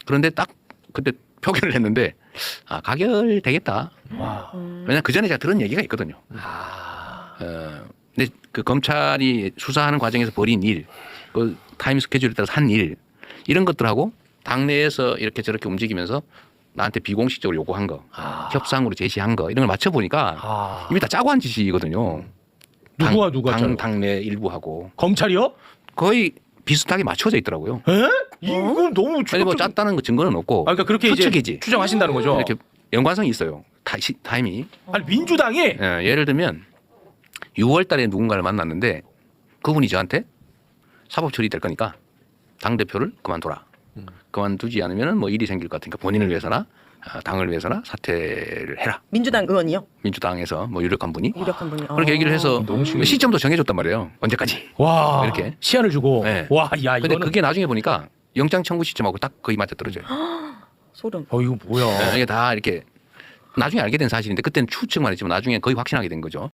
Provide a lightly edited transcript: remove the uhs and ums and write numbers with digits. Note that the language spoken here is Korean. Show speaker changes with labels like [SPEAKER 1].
[SPEAKER 1] 그런데 딱 그때 표결을 했는데 가결되겠다. 왜냐하면 그 전에 제가 들은 얘기가 있거든요. 근데 그 검찰이 수사하는 과정에서 벌인 일, 그 타임 스케줄에 따라서 한 일, 이런 것들하고 당내에서 이렇게 저렇게 움직이면서 나한테 비공식적으로 요구한 거, 협상으로 제시한 거 이런 걸 맞춰보니까 이미 다 짜고 한 짓이거든요.
[SPEAKER 2] 누가
[SPEAKER 1] 당내 일부하고
[SPEAKER 2] 검찰이요?
[SPEAKER 1] 거의 비슷하게 맞춰져 있더라고요.
[SPEAKER 2] 에? 이거 너무
[SPEAKER 1] 아니 뭐 짰다는 거 증거는 없고
[SPEAKER 2] 그러니까 그렇게 이제
[SPEAKER 1] 추측이지.
[SPEAKER 2] 추정하신다는 거죠.
[SPEAKER 1] 이렇게 연관성이 있어요. 타임이.
[SPEAKER 2] 아니 민주당이
[SPEAKER 1] 예를 들면 6월 달에 누군가를 만났는데 그분이 저한테 사법 처리될 거니까 당대표를 그만둬라. 그만두지 않으면 뭐 일이 생길 것 같으니까 본인을 위해서나 당을 위해서나 사퇴를 해라.
[SPEAKER 3] 민주당 의원이요?
[SPEAKER 1] 민주당에서 뭐 유력한 분이
[SPEAKER 3] 유력한 분이.
[SPEAKER 1] 그렇게 얘기를 해서
[SPEAKER 2] 너무 심해.
[SPEAKER 1] 시점도 정해줬단 말이에요. 언제까지.
[SPEAKER 2] 와
[SPEAKER 1] 이렇게.
[SPEAKER 2] 시한을 주고
[SPEAKER 1] 네.
[SPEAKER 2] 와 야
[SPEAKER 1] 근데
[SPEAKER 2] 이거는
[SPEAKER 1] 그게 나중에 보니까 영장 청구 시점하고 딱 거의 맞아 떨어져요.
[SPEAKER 3] 소름.
[SPEAKER 2] 이거 뭐야?
[SPEAKER 1] 이게 다 이렇게 나중에 알게 된 사실인데 그때는 추측만 했지만 나중에 거의 확신하게 된 거죠.